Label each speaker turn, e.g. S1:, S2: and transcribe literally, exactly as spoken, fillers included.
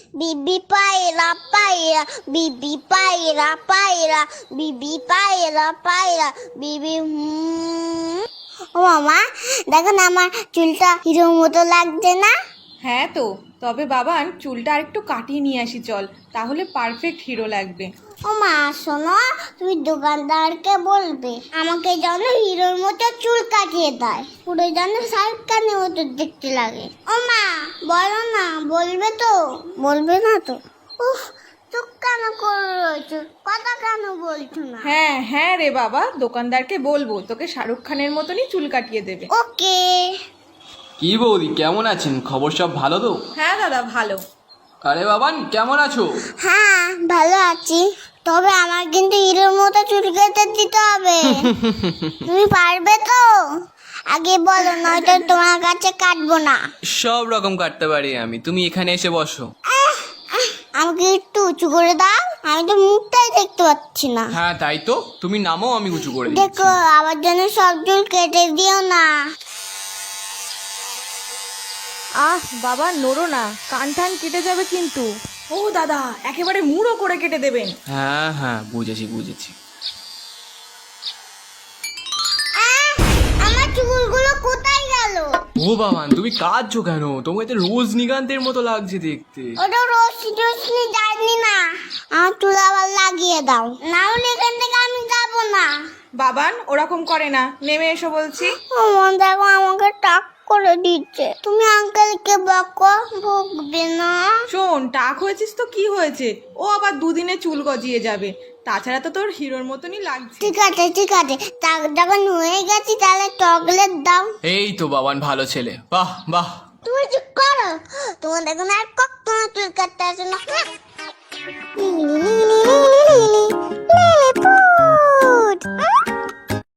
S1: বিবি পায়রা পায়রা বিবি পায়রা পায়রা বিবি পায়রা পায়রা বিবি হুম। ও মামা দেখো না আমার চুলটা হিরোর মতো লাগছে না?
S2: হ্যাঁ তো, তবে বাবান চুলটা আরেকটু কাটিয়ে নিয়ে আসি চল, তাহলে পারফেক্ট হিরো লাগবে।
S1: ও মা শোনো, তুমি দোকানদারকে বলবে আমাকে যেন হিরোর মতো চুল কাটিয়ে দেয়, পুরো যেন শাহরুখ খানের মতো দেখতে লাগে। ও মা বলো না, বলবে তো? বলবে না তো? উফ, চুপ কেন করে রয়েছো, কথা কেন বলছো না?
S2: হ্যাঁ হ্যাঁ রে বাবা, দোকানদারকে বলবো তোকে শাহরুখ খানের মতনই চুল কাটিয়ে দেবে।
S1: ওকে।
S3: কি বৌদি, কেমন আছেন? খবর সব ভালো তো?
S2: হ্যাঁ দাদা ভালো।
S3: আরে বাবান, কেমন আছো?
S1: হ্যাঁ ভালো আছি, তবে আমার কিন্তু হিরোর মতো চুল কেটে দিতে হবে। তুমি পারবে তো? আগে বলো, নয়তো তোমার কাছে কাটবো না।
S3: সব রকম কাটতে পারি আমি, তুমি এখানে এসে বসো।
S1: আমাকে একটু উঁচু করে দাও, আমি তো মুখটাই দেখতে পাচ্ছি না।
S3: হ্যাঁ তাই তো, তুমি নামো, আমি উঁচু করে দিচ্ছি।
S1: দেখো আমার জন্য সব চুল কেটে দিও না।
S2: আহ বাবা নড়ো না, কান টান কেটে যাবে কিন্তু। ও দাদা, একেবারে মুড়ো করে কেটে দেবেন।
S3: হ্যাঁ হ্যাঁ বুঝেছি বুঝেছি।
S1: আহ, আমার চুলগুলো কোথায় গেল?
S3: ও বাবান, তুমি কাঁদছো কেন? তোমাকে তো রজনীকান্তের মতো লাগছে দেখতে।
S1: ওটা রশ্মি টশ্মি যায়নি না, আমার চুল আবার লাগিয়ে দাও, না হলে এখান থেকে আমি যাবো না।
S2: বাবান ওরকম করে না, নেমে এসো বলছি।
S1: আমার দেখো আমাকে টাক করে দিচ্ছে, তুমি আঙ্কেলকে বকো, ভুগবে না।
S2: শোন, টাক হয়েছিস তো কি হয়েছে, ও আবার দুদিনে চুল গজিয়ে যাবে, তাছাড়া তো তোর হিরোর মতনই লাগছে।
S1: ঠিক আছে ঠিক আছে, টাক যখন হয়ে গেছি তাহলে চকলেট দাও।
S3: এই তো বাবান, ভালো ছেলে, বাহ বাহ।
S1: তুমি চুপ করো, তোমার দেখুন আর কখনো চুল কাটতে আসে না।